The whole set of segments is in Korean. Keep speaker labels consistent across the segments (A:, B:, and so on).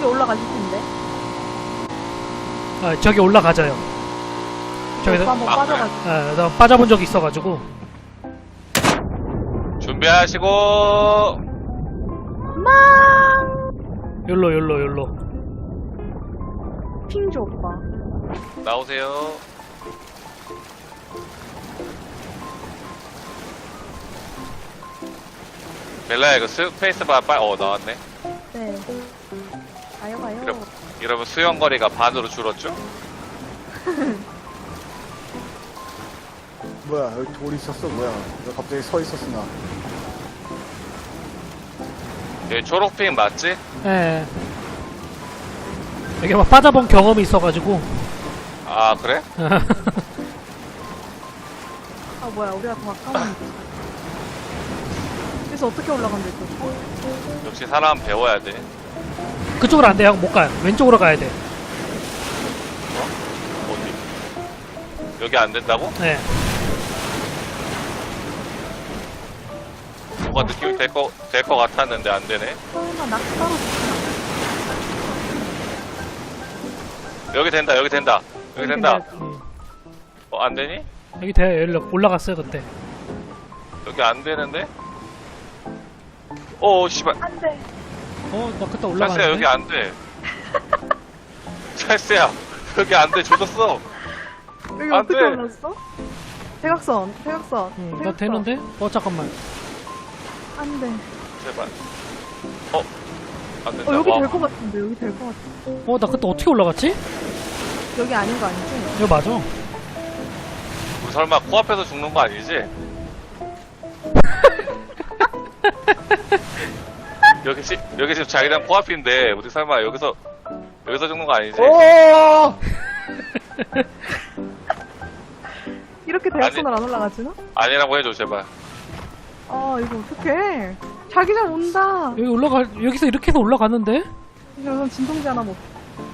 A: 저기 올라가실 텐데.
B: 아, 저기 올라가자요. 저기서
A: 한번 빠져가지고.
B: 나 빠져본 적이 있어가지고.
C: 준비하시고.
B: 열로.
A: 핑조 오빠.
C: 나오세요. 멜라야 이거 스페이스바 나왔네.
A: 네. 가요.
C: 이러면 수영거리가 반으로 줄었죠?
D: 뭐야 여기 돌 있었어 뭐야 너 갑자기 서 있었어 나
C: 여기 초록핑 맞지?
B: 예. 여기 막 빠져본 경험이 있어가지고.
C: 아 그래?
A: 아 뭐야 우리가 더 가까운데. 그래서 어떻게 올라간대 또?
C: 역시 사람 배워야 돼.
B: 그쪽으로 안 돼요. 못 가요. 왼쪽으로 가야 돼.
C: 어디? 여기 안 된다고?
B: 네.
C: 뭔가 느낌이 될 거 같았는데 안 되네.
A: 설마 낙타로
C: 여기 된다. 여기 된다.
B: 음.
C: 안 되니?
B: 여기 돼. 여기 올라갔어요 그때.
C: 여기 안 되는데? 오 씨발.
A: 안돼.
B: 나 그때
C: 찰스야
B: 올라갔는데.
C: 여기 안 돼. 찰스야 여기 안 돼. 조졌어.
A: 여기
C: 안
A: 어떻게
C: 돼.
A: 올랐어? 대각선.
B: 나 되는데? 잠깐만.
A: 안돼.
C: 제발. 안 된다.
A: 여기
C: 와.
A: 될 것 같은데. 여기 될 것 같아.
B: 나 그때 어떻게 올라갔지?
A: 여기 아닌 거 아니지?
B: 이거 맞아.
C: 우리 설마 코앞에서 죽는 거 아니지? 여기 지금 자기장 코앞인데 우리 설마 여기서 죽는 거 아니지?
D: 오
A: 이렇게 대각선을 안 올라가지나?
C: 아니라고 해줘 제발.
A: 아 이거 어떡해. 자기장 온다.
B: 여기서 이렇게 해서 올라갔는데?
A: 이제 우선 진통제 하나 먹.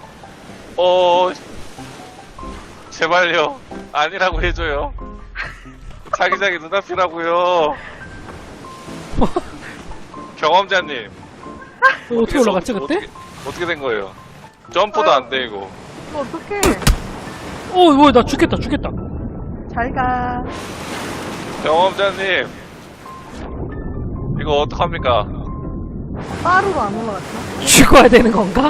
C: 제발요. 아니라고 해줘요. 자기장이 눈앞이라고요. 경험자님.
B: 어떻게 올라갔지 그때?
C: 어떻게 된 거예요? 점프도 안 돼 이거.
A: 이거 어떡해.
B: 뭐야 나 죽겠다.
A: 잘 가.
C: 경험자님. 이거 어떡합니까?
A: 빠르로 안 올라갔어.
B: 죽어야 되는 건가?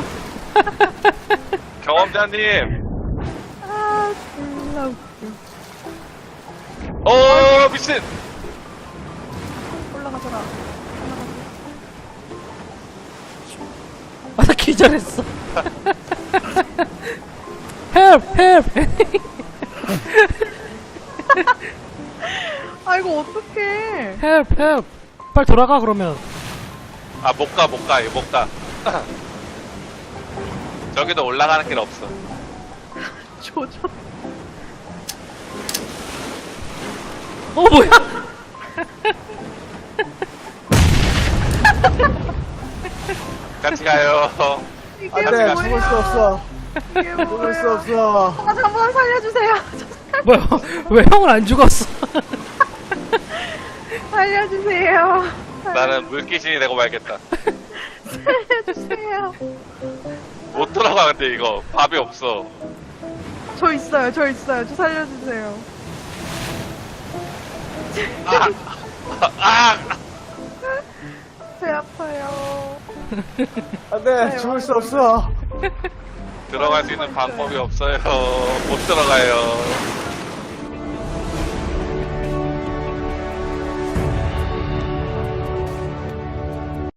C: 경험자님.
A: 아 졸라 웃겨.
C: 미친.
A: 올라가더라.
B: 나 기절했어. 헬프.
A: 아 이거 어떡해.
B: 헬프. 빨리 돌아가 그러면.
C: 못 가. 이거 못 가. 저기도 올라가는 길 없어.
A: 조져.
B: 뭐야?
C: 같이 가요.
A: 이게
D: 안돼
A: 뭐야.
D: 죽을 수 없어
A: 이게
D: 죽을 수
A: 뭐야.
D: 없어
A: 아 잠깐만 살려주세요.
B: 뭐야? 왜 형은 안 죽었어?
A: 살려주세요.
C: 나는 물귀신이 되고 말겠다.
A: 살려주세요.
C: 못 돌아가 근데 이거 밥이 없어.
A: 저 있어요. 저 살려주세요. 배 아파요.
D: 안돼 죽을 수 없어
C: 들어갈 수 있는 방법이 없어요. 못 들어가요.